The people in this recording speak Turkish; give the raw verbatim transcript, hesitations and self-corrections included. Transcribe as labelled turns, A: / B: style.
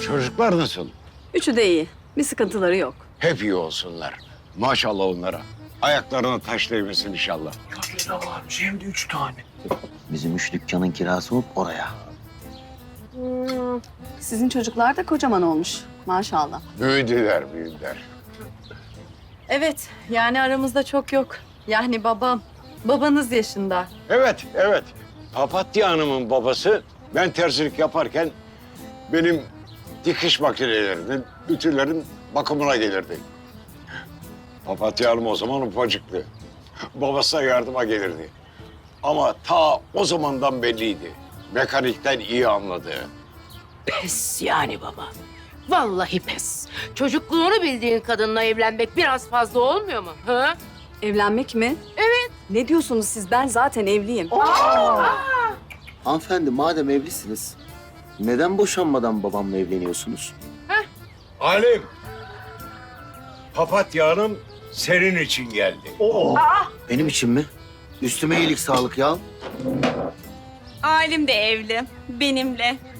A: Çocuklar nasıl?
B: Üçü de iyi. Bir sıkıntıları yok.
A: Hep iyi olsunlar. Maşallah onlara. Ayaklarına taş değmesin inşallah.
C: Ne varmış hem de üç tane.
D: Bizim üç dükkanın kirası olup oraya.
B: Sizin çocuklar da kocaman olmuş. Maşallah.
A: Büyüdüler, büyüdüler.
B: Evet, yani aramızda çok yok. Yani babam, babanız yaşında.
A: Evet, evet. Papatya Hanım'ın babası ben terzilik yaparken benim dikiş makinelerinin, ütülerin bakımına gelirdi. Papatya Hanım o zaman ufacıktı. Babasına yardıma gelirdi. Ama ta o zamandan belliydi. Mekanikten iyi anladı.
E: Pes yani baba. Vallahi pes. Çocukluğunu bildiğin kadınla evlenmek biraz fazla olmuyor mu? Ha?
B: Evlenmek mi? Evet. Ne diyorsunuz siz? Ben zaten evliyim.
D: Hanımefendi madem evlisiniz, neden boşanmadan babamla evleniyorsunuz?
A: Halim, Papatya Hanım senin için geldi.
D: Benim için mi? Üstüme iyilik sağlık ya.
F: Alim de evli, benimle.